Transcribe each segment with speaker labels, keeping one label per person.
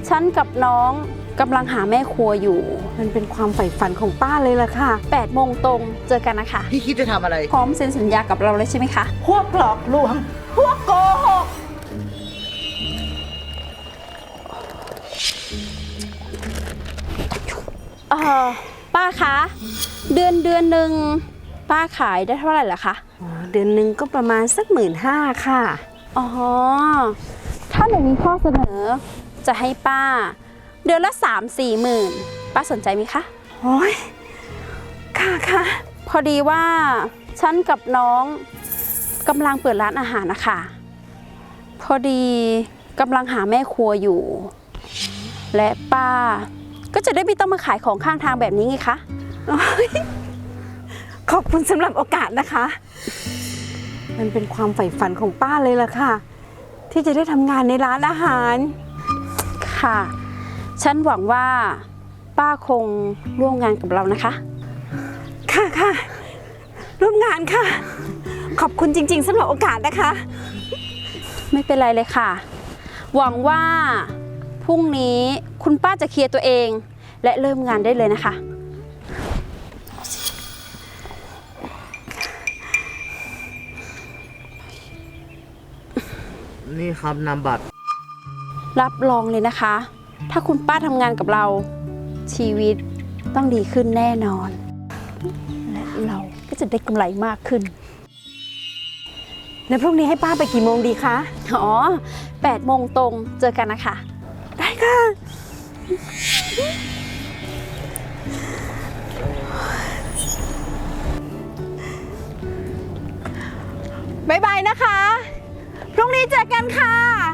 Speaker 1: ฉันกับน้องกำลังหาแม่ครัวอยู่มันเป็นความใฝ่ฝันของป้าเลยล่ะค่ะ8 โมงตรงเจอกันนะคะ
Speaker 2: พี่คิดจะทำอะไร
Speaker 1: พร้อมเซ็นสัญญากับเราเลยใช่ไหมคะ
Speaker 3: พวกหลอกลวงพวกโกหก
Speaker 1: ป้าคะเดือนหนึ่งป้าขายได้เท่าไหร่ล่ะคะ
Speaker 3: เดือนหนึ่งก็ประมาณสัก15,000ค่ะ
Speaker 1: อ๋อถ้าหนูมีข้อเสนอจะให้ป้าเดือนละ3-4 หมื่นป้าสนใจไหมคะ
Speaker 3: โอ้ยค่ะ
Speaker 1: พอดีว่าฉันกับน้องกำลังเปิดร้านอาหารนะคะพอดีกำลังหาแม่ครัวอยู่และป้าก็จะได้ไม่ต้องมาขายของข้างทางแบบนี้ไงคะ
Speaker 3: ขอบคุณสำหรับโอกาสนะคะมันเป็นความใฝ่ฝันของป้าเลยล่ะค่ะที่จะได้ทำงานในร้านอาหาร
Speaker 1: ค่ะฉันหวังว่าป้าคงร่วมงานกับเรานะคะ
Speaker 3: ค่ะร่วมงานค่ะขอบคุณจริงๆสำหรับโอกาสนะคะ
Speaker 1: ไม่เป็นไรเลยค่ะหวังว่าพรุ่งนี้คุณป้าจะเคลียร์ตัวเองและเริ่มงานได้เลยนะคะ
Speaker 2: นี่ครับนามบัตร
Speaker 1: รับรองเลยนะคะถ้าคุณป้าทำงานกับเราชีวิตต้องดีขึ้นแน่นอนและเราก็จะได้กำไรมากขึ้น
Speaker 3: แล้วพรุ่งนี้ให้ป้าไปกี่โมงดีคะ
Speaker 1: อ๋อ8 โมงตรงเจอกันนะคะ
Speaker 3: ได้ค่ะบ๊ายบายนะคะพรุ่งนี้เจอกันค่ะ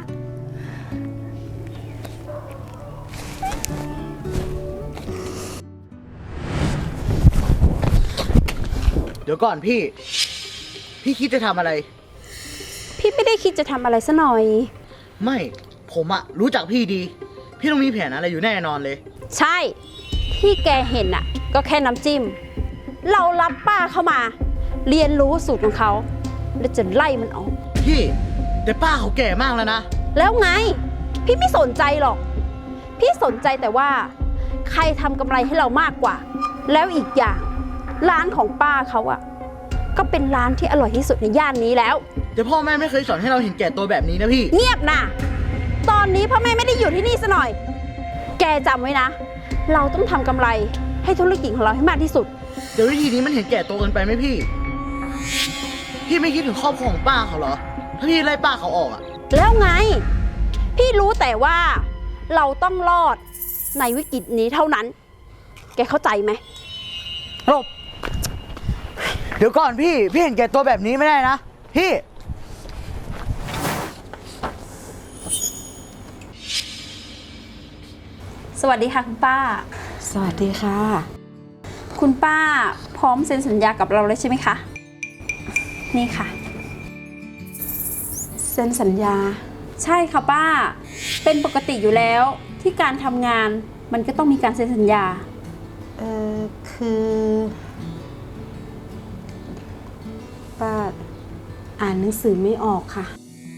Speaker 2: เดี๋ยวก่อนพี่คิดจะทำอะไร
Speaker 1: พี่ไม่ได้คิดจะทำอะไรซะหน่อย
Speaker 2: ไม่ผมอะรู้จักพี่ดีพี่ต้องมีแผนอะไรอยู่แน่นอนเลย
Speaker 1: ใช่ที่แกเห็นอะก็แค่น้ำจิ้มเรารับป้าเข้ามาเรียนรู้สูตรของเขาแล้วจะไล่มันออก
Speaker 2: พี่แต่ป้าเขาแก่มากแล้วนะ
Speaker 1: แล้วไงพี่ไม่สนใจหรอกพี่สนใจแต่ว่าใครทำกำไรให้เรามากกว่าแล้วอีกอย่างร้านของป้าเขาอะก็เป็นร้านที่อร่อยที่สุดในย่านนี้แล้ว
Speaker 2: แต่พ่อแม่ไม่เคยสอนให้เราเห็นแก่ตัวแบบนี้นะพี่
Speaker 1: เงียบนะตอนนี้พ่อแม่ไม่ได้อยู่ที่นี่ซะหน่อยแกจำไว้นะเราต้องทำกำไรให้ธุรกิจของเราให้มากที่สุด
Speaker 2: เดี๋ยววิธีนี้มันเห็นแก่ตัวเกินไปไหมพี่ไม่คิดถึงครอบครัวของป้าเขาเหรอถ้าพี่ไล่ป้าเขาออกอะ
Speaker 1: แล้วไงพี่รู้แต่ว่าเราต้องรอดในวิกฤตนี้เท่านั้นแกเข้าใจไหม
Speaker 2: หลบเดี๋ยวก่อนพี่เห็นแก่ตัวแบบนี้ไม่ได้นะพี่
Speaker 1: สวัสดีค่ะคุณป้า
Speaker 3: สวัสดีค่ะ
Speaker 1: คุณป้าพร้อมเซ็นสัญญากับเราเลยใช่ไหมคะนี่ค่ะ
Speaker 3: เซ็นสัญญา
Speaker 1: ใช่ค่ะป้าเป็นปกติอยู่แล้วที่การทำงานมันก็ต้องมีการเซ็นสัญญา
Speaker 3: คือป้าอ่านหนังสือไม่ออกค่ะ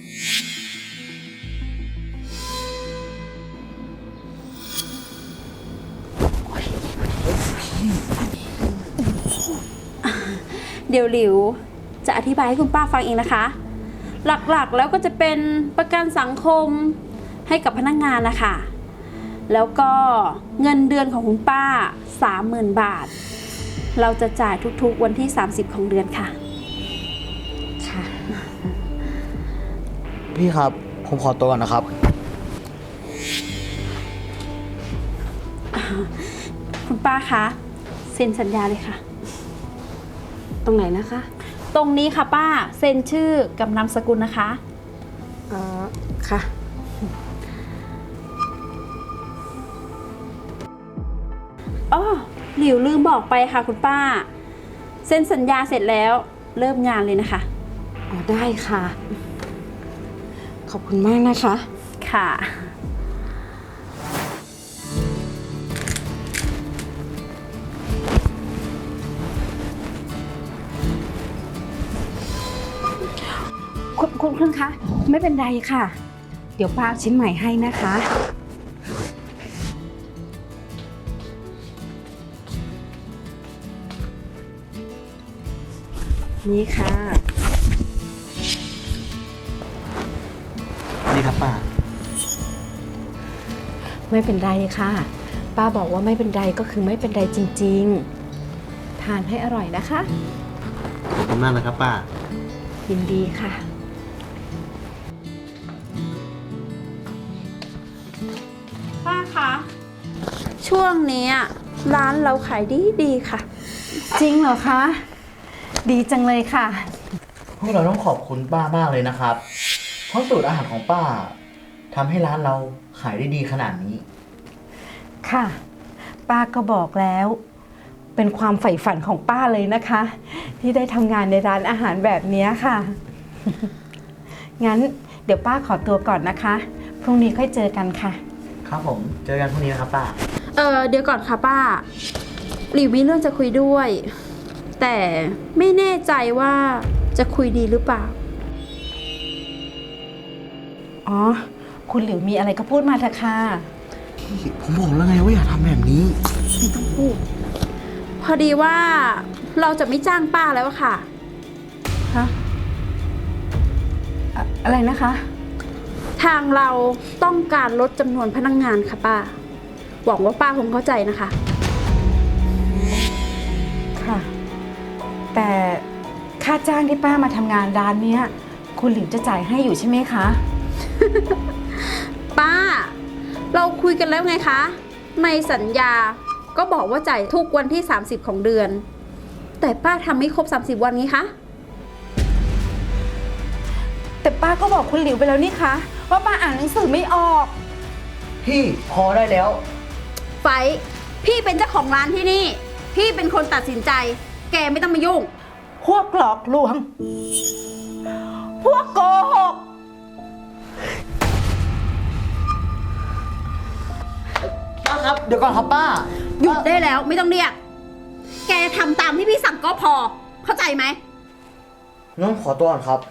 Speaker 1: เดี๋ยวหลิวจะอธิบายให้คุณป้าฟังเองนะคะหลักๆแล้วก็จะเป็นประกันสังคมให้กับพนักงานนะคะแล้วก็เงินเดือนของคุณป้า 30,000 บาทเราจะจ่ายทุกๆวันที่30ของเดือนค่ะ
Speaker 3: ค่ะ
Speaker 2: พี่ครับผมขอตัวก่อนนะครับ
Speaker 1: คุณป้าคะเซ็นสัญญาเลยค่ะ
Speaker 3: ตรงไหนนะคะ
Speaker 1: ตรงนี้ค่ะป้าเซ็นชื่อกับนามสกุลนะคะ
Speaker 3: ค่ะ
Speaker 1: อ๋อหลิวลืมบอกไปค่ะคุณป้าเซ็นสัญญาเสร็จแล้วเริ่มงานเลยนะคะ
Speaker 3: อ๋อได้ค่ะขอบคุณมากนะคะ
Speaker 1: ค่ะ
Speaker 3: คุณคะไม่เป็นไรค่ะเดี๋ยวป้าชิ้นใหม่ให้นะคะนี่ค่ะ
Speaker 2: นี่ครับป้า
Speaker 3: ไม่เป็นไรค่ะ ป้าบอกว่าไม่เป็นไรก็คือไม่เป็นไรจริงๆ ทานให้อร่อยนะคะ
Speaker 2: ขอบคุณมากนะครับป้า
Speaker 3: ยินดีค่ะ
Speaker 1: ป้าคะ ช่วงนี้ร้านเราขายดีค่ะ
Speaker 3: จริงเหรอคะ ดีจังเลยค่ะ
Speaker 2: พวกเราต้องขอบคุณป้ามากเลยนะครับ เพราะสูตรอาหารของป้าทำให้ร้านเราขายได้ดีขนาดนี้
Speaker 3: ค่ะ ป้าก็บอกแล้ว เป็นความใฝ่ฝันของป้าเลยนะคะ ที่ได้ทำงานในร้านอาหารแบบนี้ค่ะ งั้นเดี๋ยวป้าขอตัวก่อนนะคะ พรุ่งนี้ค่อยเจอกันค่ะ
Speaker 2: ครับผม เจอกันพรุ่งนี้นะครับป้า
Speaker 1: เดี๋ยวก่อนค่ะป้าหลิวมีเรื่องจะคุยด้วย แต่ไม่แน่ใจว่าจะคุยดีหรือเปล่า
Speaker 3: อ๋อ คุณหลิวมีอะไรก็พูดมาเถอะค่ะ
Speaker 2: ผมบอกแล้วไงว่าอย่าทำแบบนี้
Speaker 1: พอดีว่าเราจะไม่จ้างป้าแล้วอะค่ะ
Speaker 3: ฮะ อะไรนะคะ
Speaker 1: ทางเราต้องการลดจำนวนพนักงานค่ะป้า หวังว่าป้าคงเข้าใจนะคะ
Speaker 3: ค่ะ แต่ค่าจ้างที่ป้ามาทำงานร้านเนี้ย คุณหลิวจะจ่ายให้อยู่ใช่ไหมคะ
Speaker 1: ป้า เราคุยกันแล้วไงคะ ในสัญญาก็บอกว่าจ่ายทุกวันที่ 30 ของเดือน แต่ป้าทำไม่ครบ 30 วันนี้คะ
Speaker 3: แต่ป้าก็บอกคุณหลิวไปแล้วนี่คะว่าป้าอ่านหนังสือไม่ออก
Speaker 2: พี่พอได้แล้ว
Speaker 1: ไฟท์พี่เป็นเจ้าของร้านที่นี่ พี่เป็นคนตัดสินใจ แกไม่ต้องมายุ่ง
Speaker 3: พวกหลอกลวง พวกโกหก
Speaker 2: ป้าครับ เดี๋ยวก่อนครับป้า
Speaker 1: หยุดได้แล้วไม่ต้องเรียก แกทำตามที่พี่สั่งก็พอ เข้าใจไหม
Speaker 2: งั้นขอตัวก่อนครับ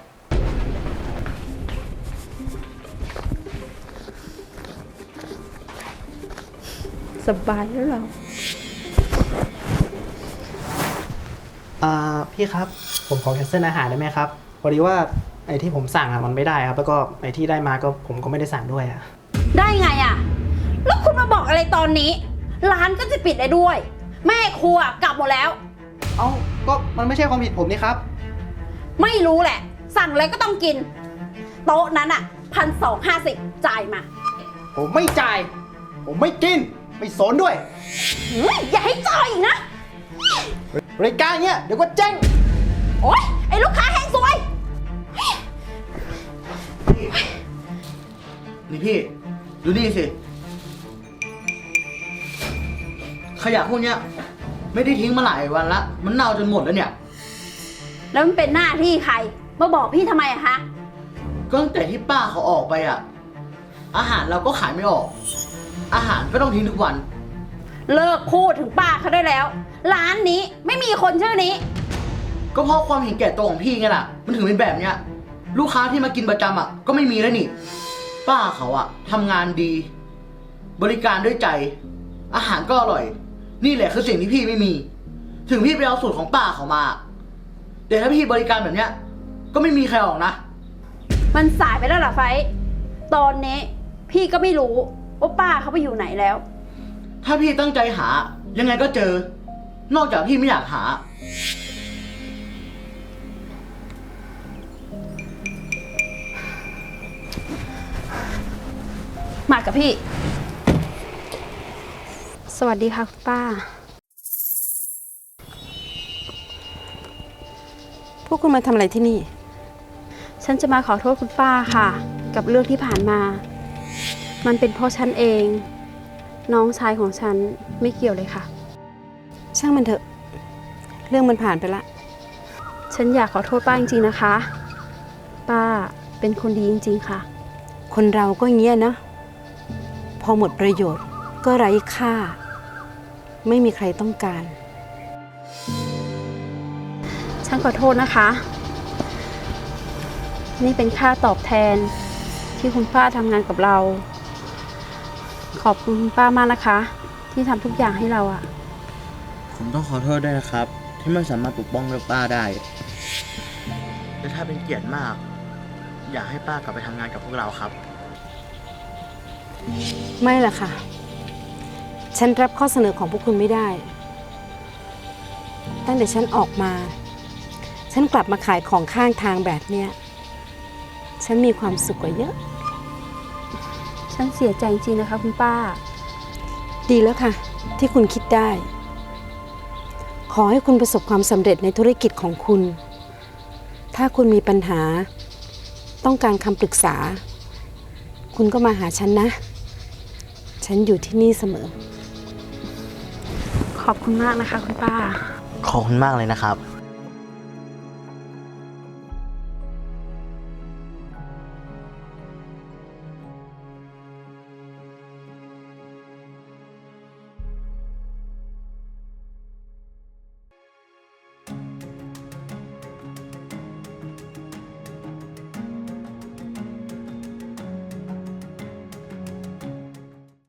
Speaker 1: สบายแล้วเรา
Speaker 4: พี่ครับ ผมขอแคนเซิลอาหารได้ไหมครับพอดีว่าไอ้ที่ผมสั่งมันไม่ได้ครับ แล้วก็ไอ้ที่ได้มาก็ผมก็ไม่ได้สั่งด้วยอะ
Speaker 1: ได้ไงอะแล้วคุณมาบอกอะไรตอนนี้ ร้านก็จะปิดได้ด้วย แม่ครัวกลับหมดแล้ว
Speaker 4: เอ้าก็มันไม่ใช่ความผิดผมนี่ครับ
Speaker 1: ไม่รู้แหละ สั่งอะไรก็ต้องกิน โต๊ะนั้นอะ1,250จ่ายมา
Speaker 4: ผมไม่จ่าย ผมไม่กิน ไม่สนด้วย
Speaker 1: อย่าให้จ่ายอีกนะ
Speaker 4: รายการเนี้ยเดี๋ยวก็แจ้ง
Speaker 1: โอ๊ย ไอ้ลูกค้าแห้งซวย
Speaker 2: นี่พี่ ดูนี่สิ ขยะพวกเนี้ย ไม่ได้ทิ้งมาหลายวันละ มันเน่าจนหมดแล้วเนี่ย
Speaker 1: แล้วมันเป็นหน้าที่ใคร มาบอกพี่ทำไมอะคะ
Speaker 2: ก็ตั้งแต่ที่ป้าเขาออกไปอ่ะ อาหารเราก็ขายไม่ออก อาหารก็ต้องทิ้งทุกวัน
Speaker 1: เลิกพูดถึงป้าเขาได้แล้ว ร้านนี้ไม่มีคนชื่อนี้
Speaker 2: ก็เพราะความเห็นแก่ตัวของพี่ไงล่ะ มันถึงเป็นแบบเนี้ย ลูกค้าที่มากินประจำอ่ะ ก็ไม่มีแล้วนี่ ป้าเขาอ่ะทำงานดี บริการด้วยใจ อาหารก็อร่อย นี่แหละคือสิ่งที่พี่ไม่มี ถึงพี่ไปเอาสูตรของป้าเขามา แต่ถ้าพี่บริการแบบเนี้ย ก็ไม่มีใครออกนะ
Speaker 1: มันสายไปแล้วเหรอไฟท์ตอนนี้พี่ก็ไม่รู้ว่าป้าเขาไปอยู่ไหนแล้ว
Speaker 2: ถ้าพี่ตั้งใจหา ยังไงก็เจอ นอกจากพี่ไม่อยากหา
Speaker 1: มากับพี่ สวัสดีค่ะคุณป้า
Speaker 3: พวกคุณมาทำอะไรที่นี่
Speaker 1: ฉันจะมาขอโทษคุณป้าค่ะ กับเรื่องที่ผ่านมา มันเป็นเพราะฉันเอง น้องชายของฉันไม่เกี่ยวเลยค่ะ
Speaker 3: ช่างมันเถอะ เรื่องมันผ่านไปละ
Speaker 1: ฉันอยากขอโทษป้าจริงๆนะคะ ป้าเป็นคนดีจริงๆค่ะ
Speaker 3: คนเราก็อย่างเงี้ยนะ พอหมดประโยชน์ก็ไร้ค่า ไม่มีใครต้องการ
Speaker 1: ฉันขอโทษนะคะ นี่เป็นค่าตอบแทนที่คุณป้าทำงานกับเรา ขอบคุณคุณป้ามากนะคะ ที่ทำทุกอย่างให้เราอะ
Speaker 2: ผมต้องขอโทษด้วยนะครับ ที่ไม่สามารถปกป้องเรื่องป้าได้แต่ถ้าเป็นเกียรติมาก อยากให้ป้ากลับไปทำงานกับพวกเราครับ
Speaker 3: ไม่ล่ะค่ะ ฉันรับข้อเสนอของพวกคุณไม่ได้ ตั้งแต่ฉันออกมา ฉันกลับมาขายของข้างทางแบบเนี้ย ฉันมีความสุขกว่าเยอะ
Speaker 1: ฉันเสียใจจริงๆนะคะคุณป้า
Speaker 3: ดีแล้วค่ะ ที่คุณคิดได้ ขอให้คุณประสบความสำเร็จในธุรกิจของคุณ ถ้าคุณมีปัญหา ต้องการคำปรึกษา คุณก็มาหาฉันนะ ฉันอยู่ที่นี่เสมอ
Speaker 1: ขอบคุณมากนะคะคุณป้า
Speaker 2: ขอบคุณมากเลยนะครับ